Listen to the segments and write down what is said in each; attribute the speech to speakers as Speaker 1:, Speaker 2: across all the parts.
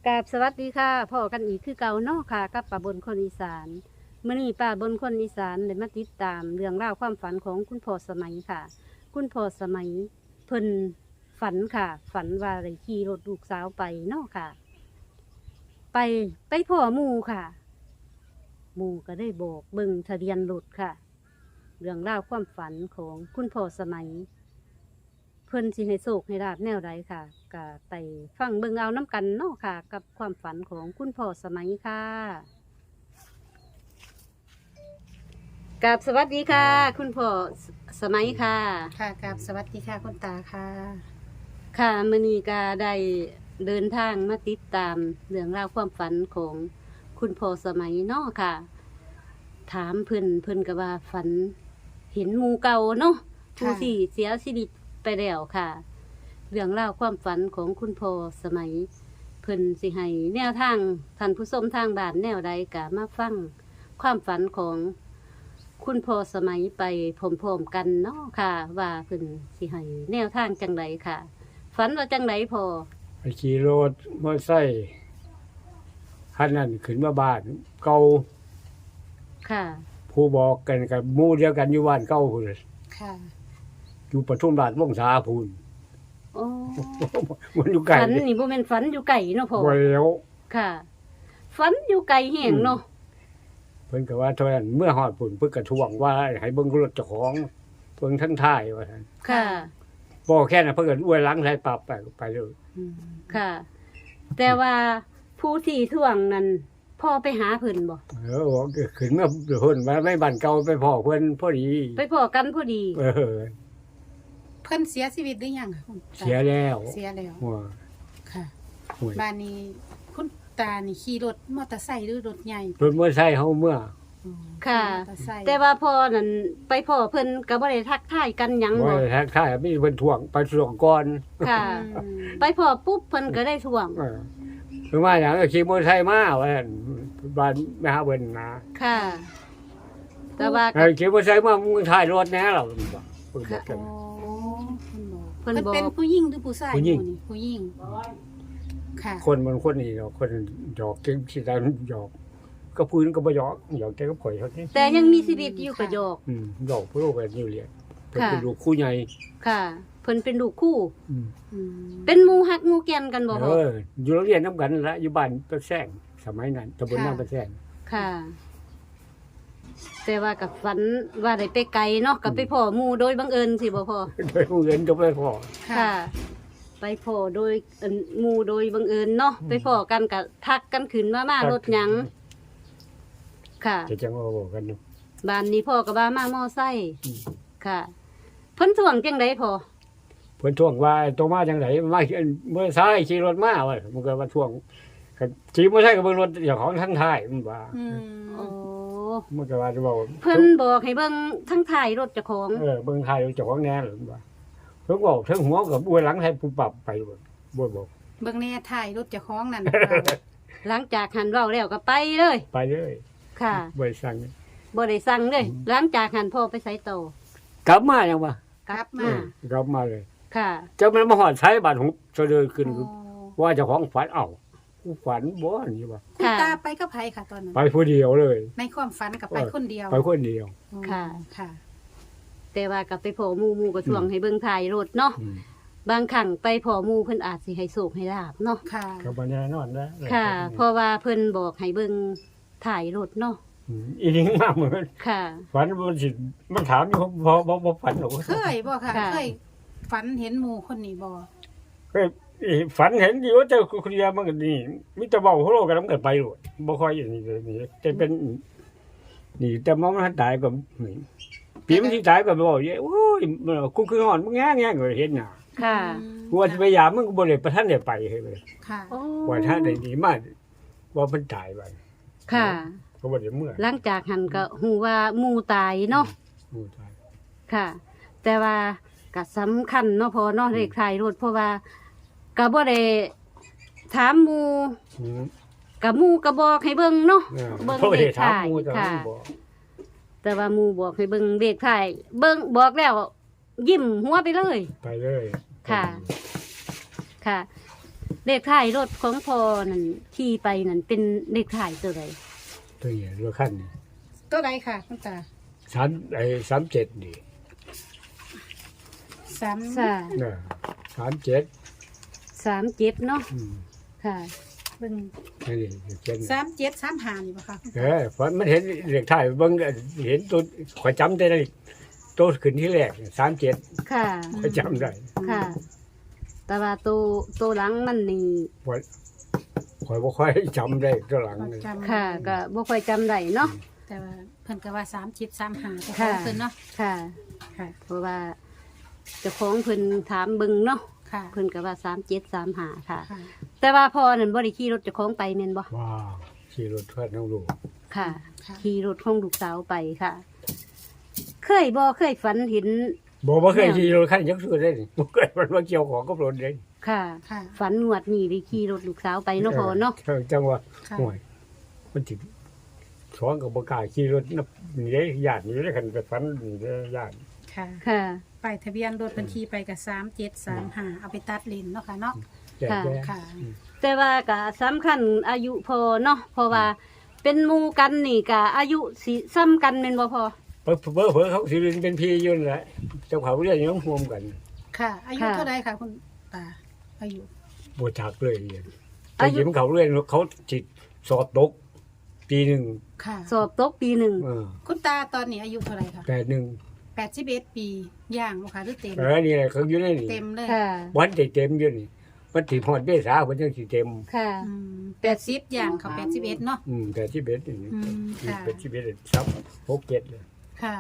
Speaker 1: กราบสวัสดีค่ะพ่อกันอีกคือเก่าเนาะค่ะกับป้าบนคนอีสานมื้อนี้ป้าบนคนอีสานได้มาติดตามเรื่องราวความฝันของคุณพ่อสมัยค่ะ คุณพ่อสมัยเพิ่นฝันค่ะ ฝันว่าได้ขี่รถลูกสาวไปเนาะค่ะ ไปพ่อหมู่ค่ะหมู่ก็ได้บอกเบิ่งทะเบียนรถค่ะ เรื่องราวความฝันของคุณพ่อสมัย เพิ่นสิให้โชคให้ลาบแนวใดค่ะก็ไปฟังเบิ่งเอาน้ำกันเนาะค่ะ กับความฝันของคุณพ่อสมัยค่ะกับสวัสดีค่ะ คุณพ่อสมัยค่ะ
Speaker 2: ค่ะกับสวัสดีค่ะคุณตาค่ะ
Speaker 1: ค่ะมื้อนี้ก็ได้เดินทางมาติดตามเรื่องราวความฝันของคุณพ่อสมัยเนาะค่ะ ถามเพิ่นก็ว่าฝันเห็นหมู่เก่าเนาะผู้ที่เสียชีวิตไปแล้วค่ะ เรื่องราวความฝันของคุณพ่อสมัย เพิ่นสิให้แนวทางท่านผู้ชมทางบ้านแนวใดก็มาฟังความฝันของคุณพ่อสมัยไปพร้อมๆกันเนาะค่ะ ว่าเพิ่นสิให้แนวทางจังไดค่ะ ฝันว่าจังไดพอ
Speaker 3: ไปขี่รถมอเตอร์ไซค์คันนั้นขึ้นมาบ้านเก่า
Speaker 1: ค่ะ
Speaker 3: ผู้บอกกันกับหมู่เดียวกันอยู่บ้านเก่าพุ่น
Speaker 2: ค่ะ
Speaker 3: อยู่ปทุมราชวงศาพุ่น
Speaker 1: โอ้
Speaker 3: มันอยู่ไกล
Speaker 1: ฝันนี่บ่แม่นฝันอยู่ไกลเนาะพ่อ
Speaker 3: บ่แล้ว
Speaker 1: ค่ะ ฝันอยู่ไกลแห้งเนาะ
Speaker 3: เพิ่นก็ว่าเท่านั้นเมื่อฮอดพุ่นเพิ่นก็ทวงว่าให้เบิ่งรถเจ้าของเบิ่งทั้งท้ายว่าซั่น
Speaker 1: ค่ะ
Speaker 3: บ่แค่นั้นเพิ่นก็อวยหลังใส่ปรับไปเลย
Speaker 1: ค่ะ แต่ว่าผู้ที่ท่วงนั้นพ่อไปหาเพิ่นบ่
Speaker 3: บอกขึ้นมาเพิ่นว่าไม่บ้านเก่าไปพ้อเพิ่นพอดี
Speaker 1: ไปพ้อกันพอดี
Speaker 2: เพิ่นเสียชีวิตหรือยังคะคุณตา
Speaker 3: เสียแล้ว
Speaker 2: เสียแล้ว
Speaker 3: ว่า
Speaker 2: ค่ะ
Speaker 3: โอ้ย
Speaker 2: บ้านนี้คุณตานี่ขี่รถมอเตอร์ไซค์หรือรถใหญ่
Speaker 3: รถมอเตอร์ไซค์เฮาเมื่อ
Speaker 2: อ๋อ
Speaker 1: ค่ะ
Speaker 2: มอเตอร์ไซค์
Speaker 1: แต่ว่าพ่อนั่นไปพ้อเพิ่นก็บ่ได้ทักทายกันหยัง
Speaker 3: บ่
Speaker 1: บ่
Speaker 3: ได้ทักทายมีเพิ่นทวงไปทวงก่อน
Speaker 1: ค่ะ
Speaker 2: อืม
Speaker 1: ไปพ้อปุ๊บเพิ่นก็ได้ท่วง
Speaker 3: คือว่าอย่างก็ขี่มอเตอร์ไซค์มาว่าซั่นบ้านแม่หาเพิ่นนะ
Speaker 1: ค่ะ แต่ว่า
Speaker 3: ขี่มอเตอร์ไซค์มามึงถ่ายรถแหน่เราเพิ่นบอกกัน
Speaker 2: โอ้เพิ่
Speaker 1: เพิ่
Speaker 2: น
Speaker 1: น
Speaker 2: บอก
Speaker 1: บอก
Speaker 2: เพิ่นเป็นผู้หญิงหรือผู้ชาย
Speaker 3: ผู้หญิง
Speaker 2: มู่นี่ผู้หญิงค่ะ
Speaker 3: คนมันคนนี้เนาะคนหยอกเก่งสิได้หยอกก็พื้นก็บ่หยอกหยอกแต่ก็ข่อยเท่านี้
Speaker 1: แต่ยังมีชีวิตอยู่ก็โยก
Speaker 3: หยอกผู้โลกแบบนี้เรียนเพิ่น
Speaker 1: ค่ะ
Speaker 3: เป็นลูกคู่ใหญ่
Speaker 1: ค่ะ เพิ่นเป็นลูกคู่
Speaker 3: อืม
Speaker 2: อืม
Speaker 1: เป็นหมู่ฮักหมู่แก่นกันบ่พ่อ
Speaker 3: อยู่โรงเรียนนำกันนั่นละอยู่บ้านประแซงสมัยนั้นตำบลน้ำประแซง
Speaker 1: ค่ะ แต่ว่ากับฝันว่าได้ไปไกลเนาะกับไปพ่อหมู่โดยบังเอิญสิบ่พ่อ
Speaker 3: โดยผู้เรียนก็ไปพอ
Speaker 1: ค่ะ ไปพ่อโดยหมู่โดยบังเอิญเนาะไปพ่อกันกับทักกันขึ้นมารถหยัง ค่ะ
Speaker 3: จะจังว่าบอกกันเนาะ
Speaker 1: บ้านนี้พ่อกับบ้ามามอไซค์
Speaker 3: อืม
Speaker 1: ค่ะเพิ่นถ่วงจังไดพ่อ
Speaker 3: เพิ่นท่วงว่าตัวมาจังไดมาเมื่อซ้ายขี่รถมาว่ามันก็ว่าท่วงขี่มอเตอร์ไซค์ก็เบิ่งรถเจ้าของทั้งท้ายมันว่า
Speaker 2: อืม
Speaker 1: โอ้
Speaker 3: มันก็ว่าจะบอก
Speaker 1: เพิ่นบอกให้เบิ่งทั้งท้ายรถเจ้าของ
Speaker 3: เบิ่งท้ายเจ้าของแน่หรือว่าเพิ่นบอกถึงหัวกับอวยหลังให้ผู้ปรับไปบ่บอก
Speaker 2: เบิ่งแน่ถ่ายรถเจ้าของนั่น
Speaker 1: หลังจากหันเว้าแล้วก็ไปเลย
Speaker 3: ไปเลย
Speaker 1: ค่ะ
Speaker 3: บ่ได้สั่ง
Speaker 1: บ่ได้สั่งเลย หลังจากหันพ่อไปไสต่อก
Speaker 3: ลับมายังวะ
Speaker 1: กลับ
Speaker 2: มา
Speaker 1: มา
Speaker 3: กลับมาเลย
Speaker 1: ค่ะ
Speaker 3: เจ้ามันมาหอดใช้บาดหุบเสะเดินขึ้น
Speaker 2: อ๋อ
Speaker 3: ว่าเจ้าของฝันเอ้ากูฝันบ่อันนี้วะ
Speaker 2: คุณ
Speaker 1: ค่ะ
Speaker 2: ตาไปกับไผค่ะตอนนั้น
Speaker 3: ไปผู้เดียวเลย
Speaker 2: ในความฝันกับไปคนเดียว
Speaker 3: ไปคนเดียว
Speaker 2: อ๋อ
Speaker 1: ค่ะ
Speaker 2: ค่ะ
Speaker 1: แต่ว่ากับไปพ่อหมู่ก็ช่วงให้เบิ่งถ่ายรถเนาะ
Speaker 3: อืม
Speaker 1: บางครั้งไปพ่อหมู่เพิ่นอาจสิให้โชคให้ลาบเนาะ
Speaker 2: ค่ะ
Speaker 3: ก็บ่แน่นอนนะ
Speaker 1: ค่ะ เพราะว่าเพิ่นบอกให้เบิ่งถ่ายรถเนาะ
Speaker 3: อีนี่มากเหมือน
Speaker 1: ค่ะ
Speaker 3: ฝันมันสิมันถามอยู่บ่ฝันหรอก
Speaker 2: เคยบ่ค่ะ
Speaker 1: ค่ะ
Speaker 2: เคยฝันเห็นหมู่คนนี้บ่
Speaker 3: เคยฝันเห็นอยู่ว่าเจ้าคนเดียวมันก็นี่มีแต่เว้าโฮโลกันนำกันไปโลดบ่ค่อยอย่างนี้เลยนี่แต่เป็นนี่แต่มองมันตายก็นี่ปีมันสิตายก็บ่เยโอ้ยกูคือหอนมึงแง่ๆก็เห็นน่ะ
Speaker 1: ค่ะ
Speaker 3: กูว่าสิพยายามมึงก็บ่ได้ประทันได้ไปให้เลย
Speaker 2: ค่ะ
Speaker 1: โอ้
Speaker 3: ว่าถ้าได้ดีมากว่ามันตายไป
Speaker 1: ค่ะ
Speaker 3: ก็บ่ได้เมื่อ
Speaker 1: หลังจากหันก็ฮู้ว่าหมู่ตายเนาะ
Speaker 3: มูตาย
Speaker 1: ค่ะ แต่ว่าก็สำคัญเนาะพอเนาะเลขถ่ายรถเพราะว่าก็บ่ได้ถามหมู่
Speaker 3: อืม
Speaker 1: กับหมู่ก็บอกให้เบิ่งเนาะเบิ่ง
Speaker 3: เพราะ
Speaker 1: เล
Speaker 3: ได้
Speaker 1: ข
Speaker 3: ถาม
Speaker 1: ถ่าย
Speaker 3: หมูแต่
Speaker 1: ค่ะ
Speaker 3: มันบอก
Speaker 1: แต่ว่าหมู่บอกให้เบิ่งเลขถ่ายเบิ่งบอกแล้ว ยิ้มหัวไปเลย
Speaker 3: ไปเลย
Speaker 1: ค่ะ ค่ะเลขท้ายรถของพ่อนั่นขี่ไปนั่นเป็นเลขท้ายตัวใด
Speaker 3: ตัวใหญ่ตัวขั้นนี่
Speaker 2: ตัวใดค่ะคุณตา
Speaker 3: 37นี่
Speaker 2: สาม
Speaker 1: ค่ะ
Speaker 3: 37
Speaker 1: 37เนาะ
Speaker 3: อืม
Speaker 1: ค่ะ
Speaker 2: เบิ่ง
Speaker 3: นี่เจ็ด
Speaker 2: 3735นี่บ่ค่ะ
Speaker 3: ฝันมันเห็นเลขท้ายเบิ่งเห็นตัวข่อยจำได้เลยตัวขึ้นที่แรก37
Speaker 1: ค่ะ
Speaker 3: ข่อยจำได้
Speaker 1: ค่ะ แต่ว่าตัวหลังมันนี่
Speaker 3: ข่อยบ่ค่อยจำได้ตัวหลังเลย
Speaker 2: จำ
Speaker 1: ค่ะก็บ่ค่อยจำได้เนาะ
Speaker 2: แต่ว่าเพิ่นก็ว่า3735แต่ข
Speaker 1: ค่ะ
Speaker 2: องเพิ่นเนาะ
Speaker 1: ค่ะ
Speaker 2: ค่ะ
Speaker 1: เพราะว่าเจ้าของเพิ่นถามเบิ่งเนาะ
Speaker 2: ค่ะ
Speaker 1: เพิ่นก็ว่า3735ค่ะ
Speaker 2: ค่ะ
Speaker 1: แต่ว่าพ่อนั่นบ่ได้ขี่รถเจ้าของไปแม่นบ่
Speaker 3: ว้าวขี่รถทอดน้องลูก
Speaker 1: ค่ะ
Speaker 2: ค่ะ
Speaker 1: ขี่รถของลูกสาวไปค่ะ เคยฝันเห็น
Speaker 3: บ่เคยขี่รถคันยักษ์สุดเลยบ่เคยมันมาเกี่ยวของกับรถเลย
Speaker 1: ค่ะ
Speaker 2: ค่ะ
Speaker 1: ฝันงวดนี้ได้ขี่รถลูกสาวไปเนาะพ่อเนาะ
Speaker 3: จังหวะ
Speaker 2: ค่ะ
Speaker 3: ห่วยมันสิช้อนกับบ่กล้าขี่รถนับนี่เด้ญาตินี่เด้คันไปฝันนี่เด้ญาติ
Speaker 2: ค่ะ
Speaker 1: ค่ะ
Speaker 2: ป้ายทะเบียนรถบัญชีไปกับ3735เอาไปตัดเลนเนาะค่ะเนาะ
Speaker 3: แก่
Speaker 2: ค่ะ
Speaker 1: แต่ว่าก็สำคัญอายุพอเนาะเพราะว่าเป็นหมู่กันนี่ก็อายุสิซ้ำกันแม่นบ่พอ
Speaker 3: เพิ่นเขาสิเรียนเป็นพี่อยู่นั่นแหละเจ้าเขาเรียนยังร่วมกัน
Speaker 2: ค่ะ อายุ
Speaker 1: ค่ะ
Speaker 2: เท่าไรค่ะคุณตา อายุ
Speaker 3: บ่จักเลยเรียนแต่
Speaker 1: อายุ
Speaker 3: ยิ้มเขาเรียนเขาสิสอบตกปีหนึง
Speaker 2: ค่ะ
Speaker 1: สอบตกปีหนึ่ง
Speaker 2: คุณตาตอนนี้อายุเท่าไรคะ
Speaker 3: 81
Speaker 2: 81 ปีย่างบ่ค่ะหรือเต็ม
Speaker 3: นี่แหละเขาอยู่ในนี่
Speaker 2: เต็มเลย
Speaker 1: ค่ะ
Speaker 3: วันที่เต็มอยู่นี่วันที่ฮอดเมษาเพิ่นจังสิเต็ม
Speaker 1: ค่ะ
Speaker 2: 80ย่างเขา81เนาะ
Speaker 3: แต่ที่เบ็ดนี่
Speaker 2: อืมค่ะ
Speaker 3: เป็นที่เบ็ดซับ6 7เลย
Speaker 2: ค่ะ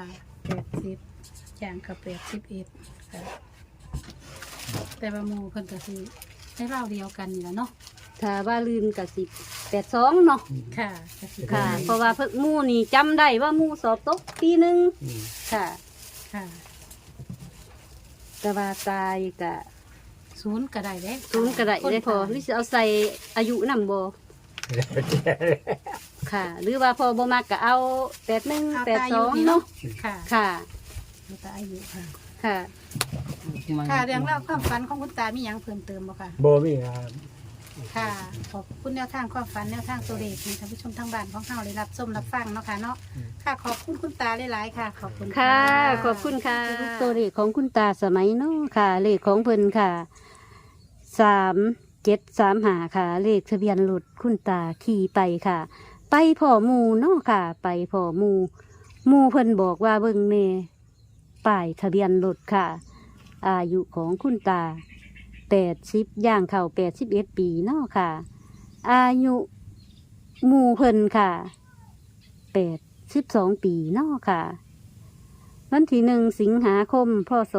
Speaker 2: 80ย่างเขา81ค่ะ แต่ว่าหมู่เพิ่นก็คือให้เราเดียวกันนี่แหละเนาะ
Speaker 1: ถ้าว่าลืมก็สิ82เนาะ
Speaker 2: ค่ะก็สิ
Speaker 1: ค่ะ เพราะว่าเพิ่นหมู่นี่จำได้ว่าหมู่สอบตกปีหนึง
Speaker 3: อืม
Speaker 1: ค่ะ
Speaker 2: ค่ะ
Speaker 1: แต่ว่าตายก็
Speaker 2: ศูนย์ก็ได้เด้
Speaker 1: ศูนย์ก็ได้ได้พอหรือสิเอาใส่อายุนำบ่ค่ะ หรือว่าพอบ่มักก็เอา81
Speaker 2: เอาแต่อายุนี่
Speaker 1: 82
Speaker 2: เนาะ
Speaker 1: เนาะ
Speaker 2: ค่ะ
Speaker 1: ค่ะ
Speaker 2: เอาแต่อายุค่ะ
Speaker 1: ค่ะ
Speaker 2: ค่ะเรื่องเล่าวความฝันของคุณตามีหยังเพิ่มเติมบ่ค่ะ
Speaker 3: บ่มีครับ
Speaker 2: ค่ะ ขอบคุณแนวทางความฝันแนวทางตัวเลขให้ท่านผู้ชมทางบ้านของเฮาได้รับชมรับฟังเนาะค่ะเนาะ ค่ะ ขอบคุณคุณตาหลายๆค่ะ ขอบคุณ
Speaker 1: ค่ะ ขอบคุณค่ะตัวเลขของคุณตาสมัยเนาะค่ะ เลขของเพิ่นค่ะ3735ค่ะ เลขทะเบียนรถคุณตาขี่ไปค่ะ ไปพ่อหมู่เนาะค่ะ ไปพ่อหมู่เพิ่นบอกว่าเบิ่งแน่ป้ายทะเบียนรถค่ะ อายุของคุณตา80ย่างเข้า81 ปีเนาะค่ะ อายุหมู่เพิ่นค่ะ82 ปีเนาะค่ะ วันที่1 สิงหาคม พศ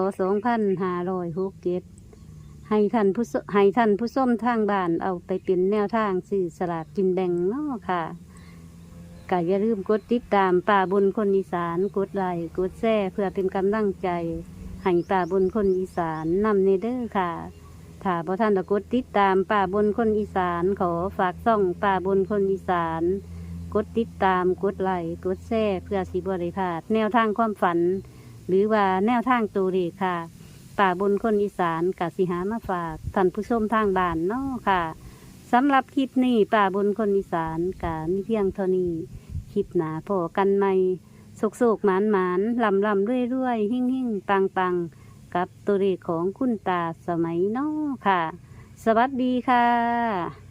Speaker 1: 2567ให้ท่านผู้ชมทางบ้านเอาไปเป็นแนวทางสื่อสลากกินแบ่งเนาะค่ะก็อย่าลืมกดติดตามป่าบนคนอีสานกดไลค์กดแชร์เพื่อเป็นกำลังใจให้ป่าบนคนอีสานนำเนเด้อค่ะถ้าพอท่านจะกดติดตามป่าบนคนอีสานขอฝากซ่องป่าบนคนอีสานกดติดตามกดไลค์กดแชร์เพื่อสิบริพลาดแนวทางความฝัน หรือว่าแนวทางตัวเลขค่ะป่าบนคนอีสานกสิหามาฝากท่านผู้ชมทางบ้านเนาะค่ะสำหรับคลิปนี้ป่าบนคนอีสานกะมีเพียงเท่านี้คลิปหนาพอกันใหม่โศกหมานลำเรื่อยหิ่งปังกับตัวเลขของคุณตาสมัยเนาะค่ะ สวัสดีค่ะ